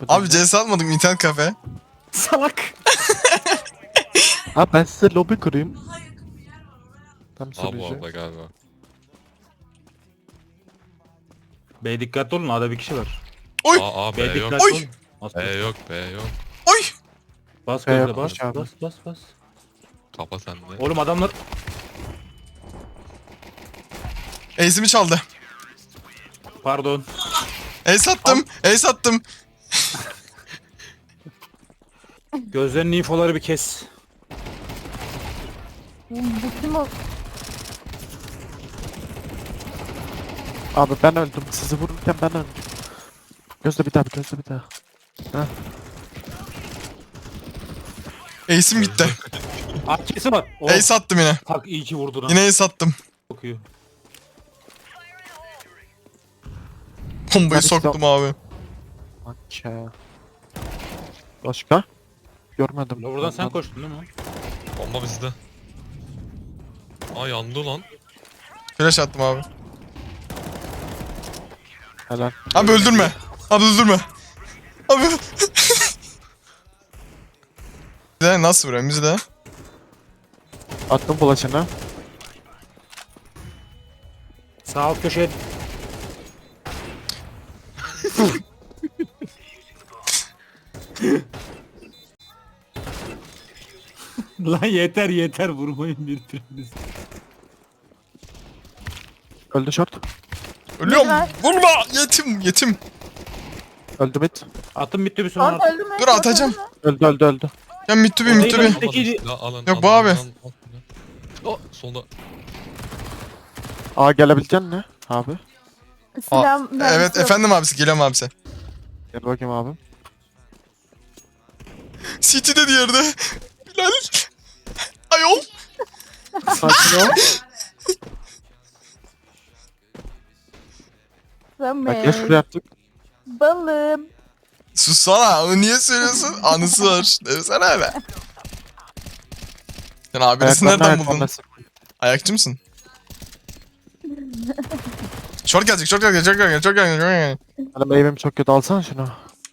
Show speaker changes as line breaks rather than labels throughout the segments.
Abi CS atmadım internet kafe.
Salak.
Abi ben size lobi kurayım. Tam
A bu
sunucu.
arada galiba.
Bey dikkatli olun, A'da bir kişi var.
Oy!
A
Bey
B yok.
dikkatli
Oy!
olun. Bas
B yok B yok.
Oy!
bas
Bey
gözle
yokmuş
bas,
abi.
bas.
Kafa sende.
Oğlum adamlar
Ace'imi çaldı.
pardon.
Ace attım. Ace attım.
Gözlerinin infoları bir kes.
Bu kim o?
Abi ben öldüm. Sizi vururken ben öldüm. Gözle bir daha, gözle bir daha.
Ace'im gitti.
AK'si var. Oh,
Ace attım yine.
tak iyi ki vurdun ha.
Yine ace attım.
Çok iyi.
Bombayı
Hadi
soktum abi.
Maça. Başka? Görmedim.
Buradan sen
Ondan-
koştun değil mi?
Bomba bizde. Aa yandı lan.
Flash attım abi.
Helal.
Abi öldürme. Abi öldürme. Abi. Bize nasıl vuruyor bizi de?
Attım bulaşını.
Sağ alt köşeye. Lan yeter vurmayın birbirinizi.
Öldü short.
Ölüyorum.
Güzel.
Vurma. Yetim.
Öldü mid.
Atım bitti bir sonra
Short
artık.
öldü mü?
Dur,
Short
atacağım.
öldü mü?
Öldü.
Ya mittubi.
O değil lan. Peki-
Alın,
Yok, bu abi.
Oh solda.
Aa gelebilecek mi abi?
Silah
Evet
mermisi yok.
efendim abisi. Geliyorum abisi.
Gel bakayım abim.
City'de diğerde. Bilal. Ayol.
Sakin ol. Bak gel şuraya
Samet.
yaptık.
Balım.
Sussana. Onu niye söylüyorsun? Anısı var. Demesene öyle. Sen abinesi nereden buldun? Ayakçı mısın? Short gelecek.
Hani meyvem çok kötü, alsana şunu.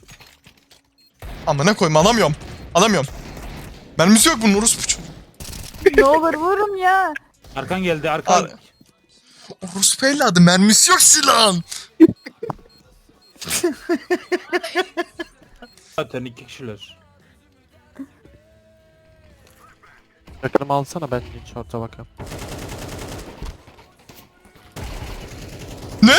Amına koyayım, alamıyorum. Mermisi yok bunun, orospu çocuğu.
Ne olur vurun ya.
Arkan geldi arkan.
Ar- Orospu evladı, mermisi yok silahın.
Zaten iki kişiler.
Yakınımı alsana, ben short'a bakayım.
Ne?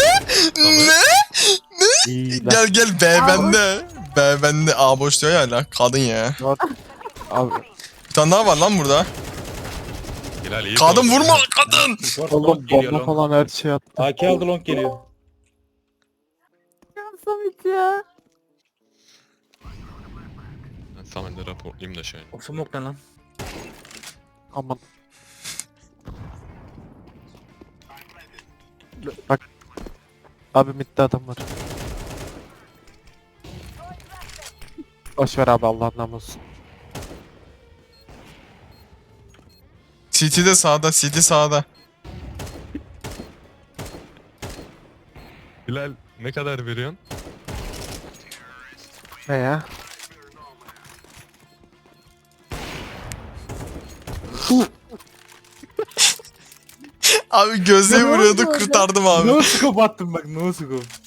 İyi lan.
Gel B bende. B bende. A boş diyor ya hala. Kadın ya.
Short. Abi
Bir tane daha var lan burada.
Hilal iyi.
Kadın
konuş.
vurma kadın.
Short
oğlum
long geliyor
bomba
long.
falan her şey attı.
AK aldı long geliyor.
Ya Samet ya.
Ben Samet'le raporlayayım da şey.
O smoke ne lan?
Aman. Bak. Abi midde adam var. Boşver abi, Allah'ın namusu.
CT de sağda. CT sağda.
Hilal ne kadar veriyorsun?
Ne ya?
Abi gözle
Ne
vuruyordu,
oldu orada?
kurtardım abi.
No scope attım bak no scope.